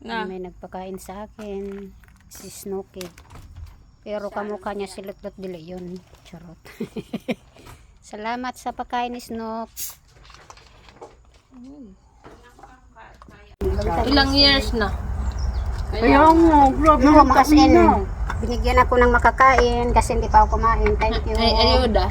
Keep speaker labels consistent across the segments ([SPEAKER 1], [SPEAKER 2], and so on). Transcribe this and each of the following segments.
[SPEAKER 1] Na.
[SPEAKER 2] May nagpakain sa akin. Si Snooki. Pero kamukha niya si Lutlot Dili yun. Charot. Salamat sa pagkain ni Snook.
[SPEAKER 1] Ilang years na?
[SPEAKER 3] Kaya mo, grabe
[SPEAKER 2] No,
[SPEAKER 3] yung
[SPEAKER 2] kasi
[SPEAKER 3] kain na.
[SPEAKER 2] binigyan ako ng makakain kasi hindi pa ako kumain. Thank you.
[SPEAKER 1] Ay, ayuda.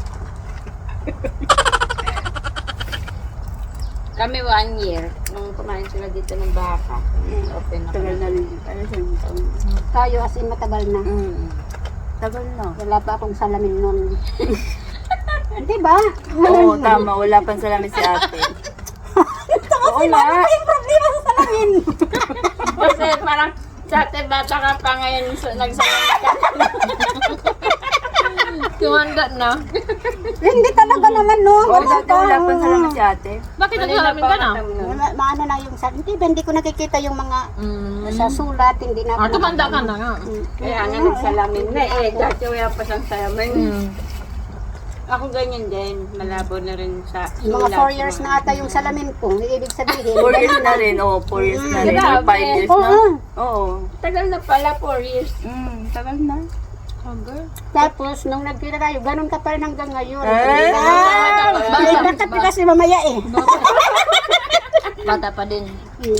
[SPEAKER 4] Kami 1 year, nung kumain sila dito ng baka. Open na
[SPEAKER 3] Tagal na rin. Ano siya?
[SPEAKER 2] Tayo as in matagal na.
[SPEAKER 3] Tagal na.
[SPEAKER 2] Wala pa akong salamin nun. Hindi ba?
[SPEAKER 3] Oo, tama. Wala pang salamin si ate. Oo nga.
[SPEAKER 2] Yung problema sa salamin.
[SPEAKER 4] Kasi parang sa ate bata ka pa ngayon nagsalamit ka.
[SPEAKER 1] Tumanda na.
[SPEAKER 2] Hindi talaga naman no.
[SPEAKER 3] Oo, dati wala pang salamin si ate.
[SPEAKER 1] Bakit nagsalamin ka na?
[SPEAKER 2] Maano na yung salamin. Hindi ko nakikita yung mga sa sulat. Hindi na.
[SPEAKER 1] Ah, tumanda ka na nga.
[SPEAKER 4] Kaya nga nagsalamin na eh. Dati wala pa siyang salamin. Ako ganyan din. Malabo na rin sa
[SPEAKER 2] Mga
[SPEAKER 4] sulat.
[SPEAKER 2] 4 years na ata yung salamin ko. Ibig sabihin.
[SPEAKER 3] 4 years na rin. Oo, 4 years na rin.
[SPEAKER 4] Grabe.
[SPEAKER 3] 5 years na.
[SPEAKER 2] Oo.
[SPEAKER 3] Oo.
[SPEAKER 4] Tagal na pala, 4 years.
[SPEAKER 3] Tagal na.
[SPEAKER 2] Tapos, nung nagkita tayo, ganun ka pa rin hanggang ngayon.
[SPEAKER 1] Bata.
[SPEAKER 2] Bata pa kasi mamaya eh.
[SPEAKER 1] Bata pa din.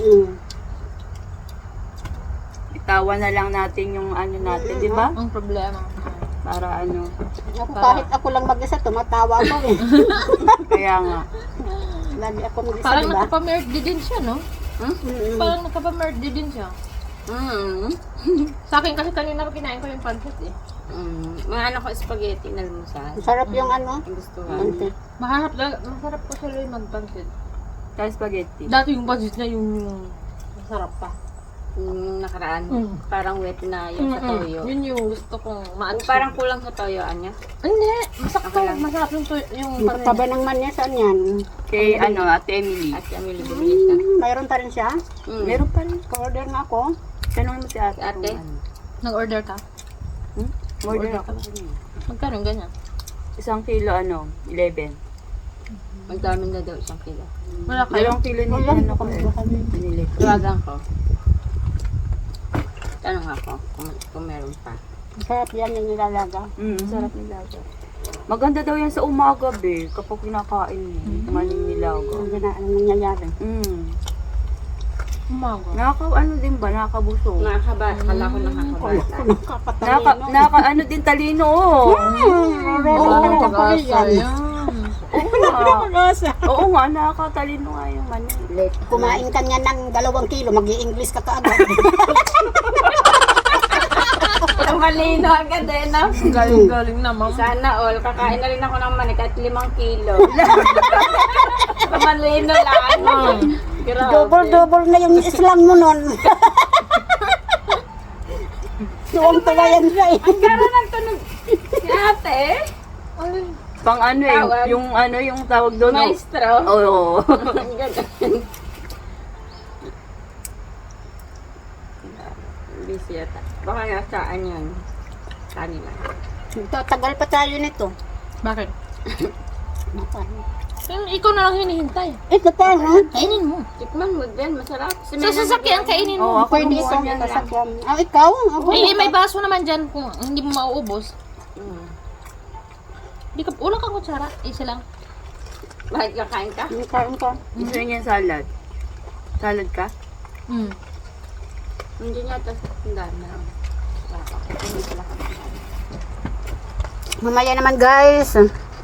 [SPEAKER 3] Itawan na lang natin yung ano natin, di ba?
[SPEAKER 1] Ang problema.
[SPEAKER 3] Para ano.
[SPEAKER 2] Ako, kahit ako lang mag-isa, tumatawa ako eh.
[SPEAKER 3] Kaya nga.
[SPEAKER 2] Lagi ako mag-isa,
[SPEAKER 1] Parang
[SPEAKER 2] diba?
[SPEAKER 1] nagpapa-merge din siya, no? Parang nagpapa-merge din siya. Sa akin kasi kanina pa kinain ko yung pancit eh.
[SPEAKER 4] Mga anak ko spaghetti na lumusal.
[SPEAKER 2] Sarap yung ano.
[SPEAKER 4] Ang gusto nga.
[SPEAKER 2] Pancit.
[SPEAKER 1] Masarap ko sila yung mag-pancit.
[SPEAKER 3] Tayo spaghetti.
[SPEAKER 1] Dati yung pancit na yung masarap pa.
[SPEAKER 4] Yung nakaraan, parang wet na yung sa toyo.
[SPEAKER 1] Yun yung gusto kong ma-achieve.
[SPEAKER 4] Parang kulang sa toyoan niya.
[SPEAKER 1] Hindi, masakto. Masarap yung
[SPEAKER 2] Yung taba ng man niya, saan yan?
[SPEAKER 3] Kay ano, Ate Emily.
[SPEAKER 4] At kami bumili siya.
[SPEAKER 2] Mayroon pa rin siya?
[SPEAKER 3] Meron pa rin.
[SPEAKER 2] Order nga ako.
[SPEAKER 3] Tanong mo si ate.
[SPEAKER 4] Ate?
[SPEAKER 3] kung ano.
[SPEAKER 1] Nag-order ka?
[SPEAKER 3] Order ako.
[SPEAKER 1] Magkano yung ganyan?
[SPEAKER 3] 1 kilo ano, 11.
[SPEAKER 4] Ang dami na daw 1 kilo.
[SPEAKER 1] Wala kayo?
[SPEAKER 3] 2 kilo nila ano ko eh. Binili ko.
[SPEAKER 4] Tawagan ko. Tanong ako kung meron pa.
[SPEAKER 2] Sarap yan yung nilalaga.
[SPEAKER 3] Sarap nilaga. Maganda daw yan sa umaga, be. Kapag kinakain mo. Maling nilaga.
[SPEAKER 2] Hindi na ano nangyayari.
[SPEAKER 1] Umaga.
[SPEAKER 3] Ano din ba? Nakakabusog.
[SPEAKER 4] Kala ko nakakabata.
[SPEAKER 3] Ano din talino, oh.
[SPEAKER 1] Oo, pag-asa yan.
[SPEAKER 3] Oo nga, nakakatalino nga yung mani.
[SPEAKER 2] Kumain ka niya ng 2 kilo, mag-i-English ka kaagad.
[SPEAKER 4] Malino agad eh, no?
[SPEAKER 1] Galing-galing naman.
[SPEAKER 4] Sana all, kakain na rin ako ng manik at 5 kilo. Malino lang. Grabe.
[SPEAKER 2] Double na yung islang mo nun. Tuwang-tuwa yan siya eh.
[SPEAKER 4] Ang gara ng tunog. Si ate,
[SPEAKER 3] Pang ano eh,
[SPEAKER 4] Tawag.
[SPEAKER 3] yung tawag doon.
[SPEAKER 4] maestro.
[SPEAKER 3] Oo.
[SPEAKER 4] Ang ganda. Busy yata. Baka nga saan yun. Kanina.
[SPEAKER 2] Tagal pa tayo nito.
[SPEAKER 1] Bakit? Ikaw na lang hinihintay.
[SPEAKER 2] Ito pa, ha?
[SPEAKER 1] Kainin mo.
[SPEAKER 4] Tikman mo din, masarap.
[SPEAKER 1] Sa sasakyan, kainin
[SPEAKER 3] Oo,
[SPEAKER 1] mo.
[SPEAKER 3] ako
[SPEAKER 2] Pwede
[SPEAKER 3] gumawa
[SPEAKER 2] ito.
[SPEAKER 3] niyan lang.
[SPEAKER 2] Sasakyan. Ah, ikaw? Ako.
[SPEAKER 1] May baso naman dyan kung hindi mo mauubos. Di ka, wala kang kutsara. Isa lang.
[SPEAKER 4] Bakit kakain ka?
[SPEAKER 2] Kain ka.
[SPEAKER 3] Gusto niya salad. Salad ka?
[SPEAKER 4] Hindi niya ito. Ang dami na. Hindi pala kami.
[SPEAKER 2] Mamaya naman guys.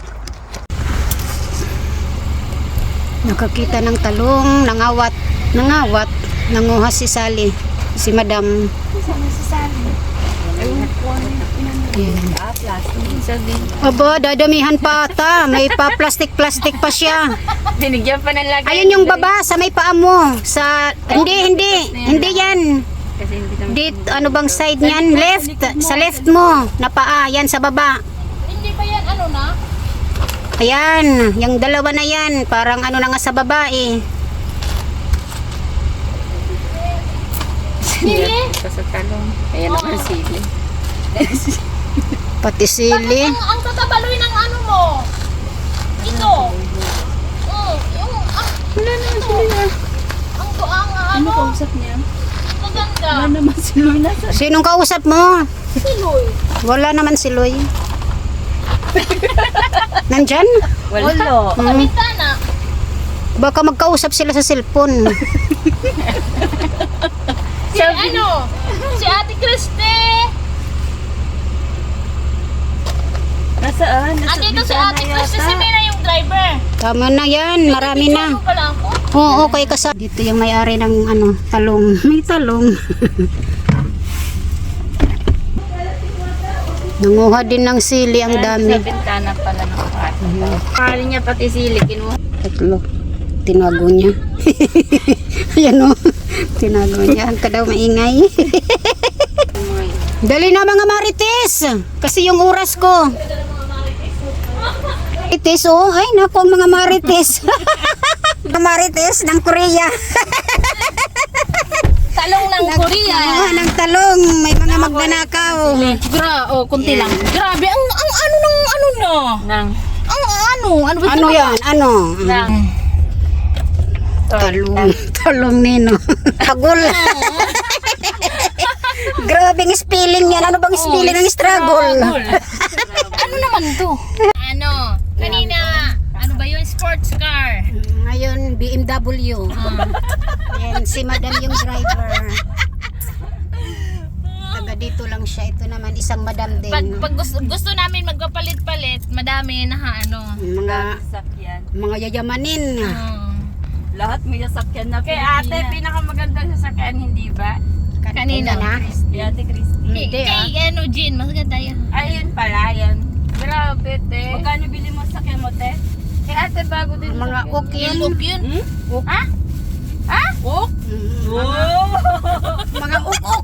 [SPEAKER 2] Nakakita ng talong, nangawat, nanguha si Sally, si Madam. Aba, dadamihan pa ata. May pa plastic pa siya.
[SPEAKER 4] Binigyan pa ng lagay.
[SPEAKER 2] Ayun yung baba sa may paa mo. Sa hindi yan.
[SPEAKER 3] Kasi hindi naman.
[SPEAKER 2] Ano bang side niyan? Left. Sa left mo na paa, yan sa baba.
[SPEAKER 1] Hindi ba yan ano na?
[SPEAKER 2] Ayan, yung dalawa na yan, parang ano na nga sa babae.
[SPEAKER 1] Sili?
[SPEAKER 3] Sa talong. Ayan naman sili.
[SPEAKER 2] Pati sili.
[SPEAKER 1] Ang tatabaloy ng ano mo. Ito. Yung,
[SPEAKER 3] Wala naman sili ah.
[SPEAKER 1] ang
[SPEAKER 3] Ano kausap niya? Si Loy nasa.
[SPEAKER 2] Sinong kausap mo?
[SPEAKER 1] Si Loy.
[SPEAKER 2] Wala naman si Loy. Nandyan?
[SPEAKER 3] Wala.
[SPEAKER 1] Sa bintana.
[SPEAKER 2] Baka magkausap sila sa cellphone.
[SPEAKER 1] Si ano? Si Ate Christy.
[SPEAKER 3] Nasaan? Nasa
[SPEAKER 1] Andito si
[SPEAKER 3] bintana
[SPEAKER 1] Ate Christy,
[SPEAKER 3] yata.
[SPEAKER 1] si Mina yung driver.
[SPEAKER 2] Tama na yan, marami na.
[SPEAKER 1] Ano pala ako?
[SPEAKER 2] Oo, okay ka dito yung may-ari ng ano, talong. May talong. Nanguha din ng sili ang dami.
[SPEAKER 3] Sa bintana pala ng kwarto. Kali niya pati sili, kinuha.
[SPEAKER 2] Tatlo. Tinago niya. Ayan o. Tinago niya. Ang kadaw maingay. Dali na mga marites. Kasi yung oras ko. Marites oh. Ay naku ang mga marites. Mga marites ng Korea.
[SPEAKER 1] Talong ng Korea.
[SPEAKER 2] Ah, ng talong. May mga magnanakaw.
[SPEAKER 1] Kunti lang. Grabe, ang ano ng ano na.
[SPEAKER 3] Nang
[SPEAKER 1] Ano ba
[SPEAKER 2] Ano yan? Ano?
[SPEAKER 3] Nang
[SPEAKER 2] Talong. Talong nino. Agol. Grabing spelling yan. Ano bang spelling ng struggle?
[SPEAKER 1] Ano naman to? Ano? Kanina, ano ba yun? Sports car.
[SPEAKER 2] Ngayon, BMW. Yan, si madam yung driver. Taga dito lang siya. Ito naman, isang madam din.
[SPEAKER 1] Pag gusto namin magpapalit-palit, madami na ano.
[SPEAKER 3] sakyan.
[SPEAKER 2] Mga yayamanin.
[SPEAKER 3] Lahat may sasakyan na
[SPEAKER 4] Kay ate, pinakamaganda sa sakyan, hindi ba?
[SPEAKER 1] Kanina.
[SPEAKER 2] na.
[SPEAKER 3] Si Ate Christy.
[SPEAKER 2] Hindi
[SPEAKER 1] Kay ano, Jean, mas ganda yan.
[SPEAKER 4] Ayun pala, yan. Grabe, te.
[SPEAKER 3] Magkano bili mo sa sakyan mo, te?
[SPEAKER 4] Kay ate, bago din
[SPEAKER 2] Mga
[SPEAKER 4] sakyan.
[SPEAKER 2] ok yun.
[SPEAKER 1] Yung yun.
[SPEAKER 4] Ha? Ha?
[SPEAKER 3] Oh!
[SPEAKER 2] Mga uk-uk.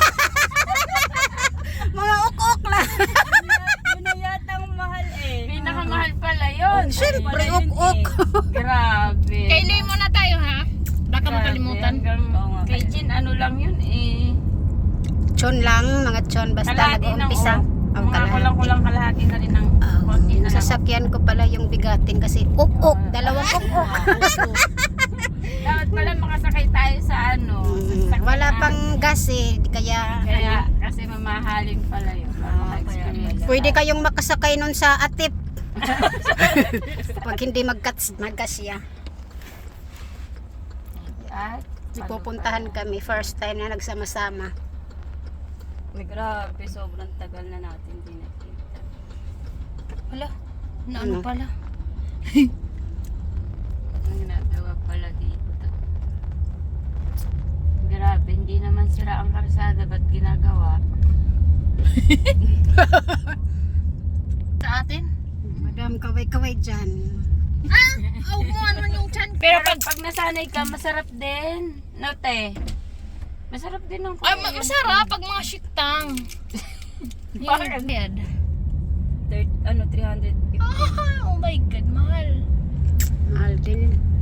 [SPEAKER 2] Mga uk-uk lang.
[SPEAKER 3] Yun na yatang mahal eh.
[SPEAKER 4] Pinakamahal pala yun.
[SPEAKER 2] Siyempre, uk-uk.
[SPEAKER 4] Grabe.
[SPEAKER 1] Kay Loy muna tayo ha. Baka makalimutan.
[SPEAKER 3] Oo nga.
[SPEAKER 4] Kay Jin, ano lang yun eh.
[SPEAKER 2] Chon lang, mga chon. Basta
[SPEAKER 4] Kalahati ng
[SPEAKER 2] nag-uumpisa. Ang
[SPEAKER 4] mga kulang-kulang kalahati na rin ng konti na lang.
[SPEAKER 2] Sasakyan ko pala yung bigatin kasi uk-uk. Dalawang uk-uk.
[SPEAKER 4] Dapat pala makasakay tayo sa ano. sa sasakyan
[SPEAKER 2] Wala
[SPEAKER 4] natin.
[SPEAKER 2] pang gas eh. Kaya
[SPEAKER 4] Kaya, kasi mamahalin pala yun. Maka-experience.
[SPEAKER 2] pwede kayong makasakay nun sa atip. Pag hindi maggas siya.
[SPEAKER 4] At,
[SPEAKER 2] Pupuntahan kami. First time na nagsama-sama.
[SPEAKER 3] Grabe, sobrang tagal na natin din nakita.
[SPEAKER 1] Wala.
[SPEAKER 2] Ano?
[SPEAKER 1] Ano pala?
[SPEAKER 3] Ang ginagawa pala dito. Grabe, hindi naman sira ang karsada, ba't ginagawa?
[SPEAKER 1] Sa atin?
[SPEAKER 2] Madam, kaway-kaway dyan.
[SPEAKER 1] Huwag mo ano yung chan.
[SPEAKER 3] Pero pag nasanay ka, masarap din. No, te? Masarap din ang
[SPEAKER 1] Ay, masarap pag mga shiktang. Yung bed.
[SPEAKER 3] 350.
[SPEAKER 1] Oh my God, mahal.
[SPEAKER 2] Mahal din.